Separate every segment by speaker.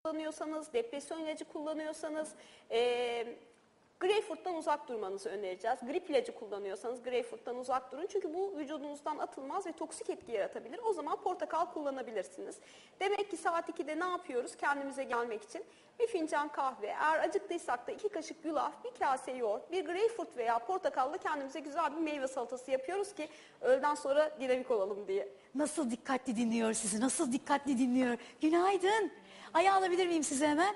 Speaker 1: kullanıyorsanız, depresyon ilacı kullanıyorsanız, greyfurttan uzak durmanızı önereceğiz. Grip ilacı kullanıyorsanız greyfurttan uzak durun. Çünkü bu vücudunuzdan atılmaz ve toksik etki yaratabilir. O zaman portakal kullanabilirsiniz. Demek ki saat 2'de ne yapıyoruz kendimize gelmek için? Bir fincan kahve, eğer acıktıysak da 2 kaşık yulaf, bir kase yoğurt, bir greyfurt veya portakalla kendimize güzel bir meyve salatası yapıyoruz ki öğleden sonra dinamik olalım diye.
Speaker 2: Nasıl dikkatli dinliyor sizi, nasıl dikkatli dinliyor. Günaydın. Ayağı alabilir miyim size hemen?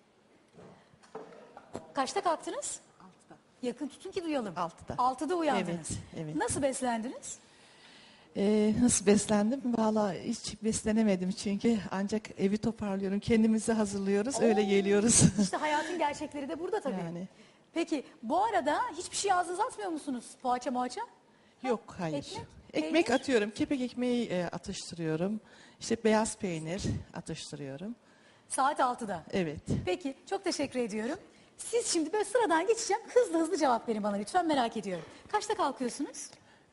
Speaker 2: Kaçta kalktınız?
Speaker 3: 6'da.
Speaker 2: Yakın tutun ki duyalım.
Speaker 3: 6'da.
Speaker 2: 6'da uyandınız.
Speaker 3: Evet, evet.
Speaker 2: Nasıl beslendiniz?
Speaker 3: Nasıl beslendim? Vallahi hiç beslenemedim çünkü ancak evi toparlıyorum, kendimizi hazırlıyoruz, öyle geliyoruz.
Speaker 2: İşte hayatın gerçekleri de burada tabii.
Speaker 3: Yani.
Speaker 2: Peki bu arada hiçbir şey ağzınıza atmıyor musunuz? Poğaça moğaça?
Speaker 3: Yok, hayır.
Speaker 2: Ekmek?
Speaker 3: Ekmek
Speaker 2: Peynir?
Speaker 3: atıyorum, kepek ekmeği atıştırıyorum. İşte beyaz peynir atıştırıyorum.
Speaker 2: Saat 6'da.
Speaker 3: Evet.
Speaker 2: Peki çok teşekkür ediyorum. Siz şimdi böyle sıradan geçeceğim. Hızlı hızlı cevap verin bana lütfen, merak ediyorum. Kaçta kalkıyorsunuz?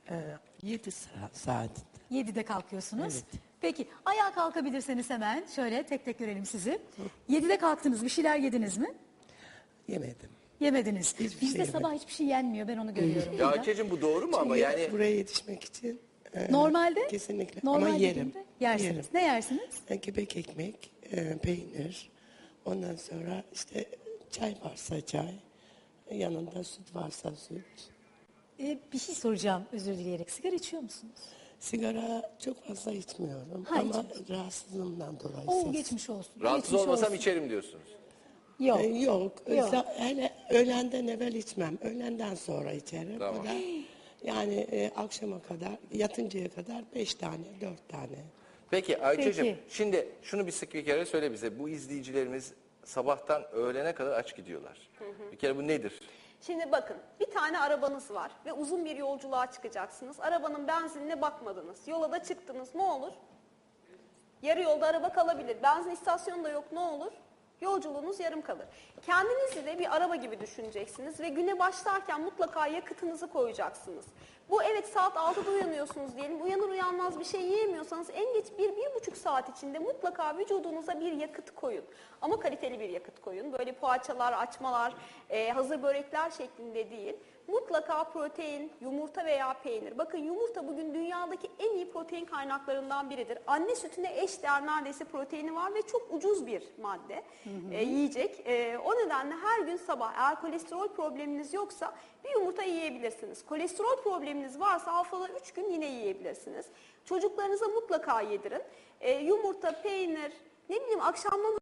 Speaker 4: 7 saat.
Speaker 2: 7'de kalkıyorsunuz.
Speaker 4: Evet.
Speaker 2: Peki ayağa kalkabilirseniz hemen şöyle tek tek görelim sizi. 7'de kalktınız, bir şeyler yediniz mi?
Speaker 4: Yemedim.
Speaker 2: Yemediniz.
Speaker 4: Hiçbir şey
Speaker 2: Bizde
Speaker 4: yemedim.
Speaker 2: sabah hiçbir şey yenmiyor, ben onu görüyorum.
Speaker 5: Ya
Speaker 2: burada.
Speaker 5: Ayça'cığım bu doğru mu ama
Speaker 4: Çünkü
Speaker 5: yani
Speaker 4: buraya yetişmek için
Speaker 2: Normalde?
Speaker 4: kesinlikle
Speaker 2: Normal
Speaker 4: ama yerim.
Speaker 2: dediğimde yersiniz.
Speaker 4: Yerim.
Speaker 2: Ne yersiniz?
Speaker 4: Kepek ekmek, peynir. Ondan sonra işte çay varsa çay. Yanında süt varsa süt.
Speaker 2: Bir şey soracağım özür dileyerek. Sigara içiyor musunuz?
Speaker 4: Sigara çok fazla içmiyorum
Speaker 2: Ha,
Speaker 4: ama
Speaker 2: içmiyorsun.
Speaker 4: rahatsızlığımdan dolayı.
Speaker 2: Oo, geçmiş olsun.
Speaker 5: rahatsız
Speaker 2: Geçmiş
Speaker 5: olmasam
Speaker 2: olsun.
Speaker 5: içerim diyorsunuz.
Speaker 2: Yok.
Speaker 4: Yok.
Speaker 2: Yok.
Speaker 4: Hele öğlenden evvel içmem. Öğlenden sonra içerim.
Speaker 5: Tamam.
Speaker 4: O da yani akşama kadar, yatıncaya kadar 5 tane, 4 tane.
Speaker 5: Peki Ayça'cığım
Speaker 2: Peki.
Speaker 5: şimdi şunu bir kere söyle bize. Bu izleyicilerimiz sabahtan öğlene kadar aç gidiyorlar. Bir kere bu nedir?
Speaker 1: Şimdi bakın, bir tane arabanız var ve uzun bir yolculuğa çıkacaksınız. Arabanın benzinine bakmadınız. Yola da çıktınız. Ne olur? Yarı yolda araba kalabilir. Benzin istasyonu da yok. Ne olur? Yolculuğunuz yarım kalır. Kendinizi de bir araba gibi düşüneceksiniz ve güne başlarken mutlaka yakıtınızı koyacaksınız. Bu evet saat 6'da uyanıyorsunuz diyelim. Uyanır uyanmaz bir şey yiyemiyorsanız en geç 1-1,5 saat içinde mutlaka vücudunuza bir yakıt koyun. Ama kaliteli bir yakıt koyun. Böyle poğaçalar, açmalar, hazır börekler şeklinde değil. Mutlaka protein, yumurta veya peynir. Bakın yumurta bugün dünyadaki en iyi protein kaynaklarından biridir. Anne sütüne eş değer neredeyse proteini var ve çok ucuz bir madde, yiyecek. O nedenle her gün sabah eğer kolesterol probleminiz yoksa bir yumurta yiyebilirsiniz. Kolesterol probleminiz varsa haftada 3 gün yine yiyebilirsiniz. Çocuklarınıza mutlaka yedirin. Yumurta, peynir, ne bileyim akşamdan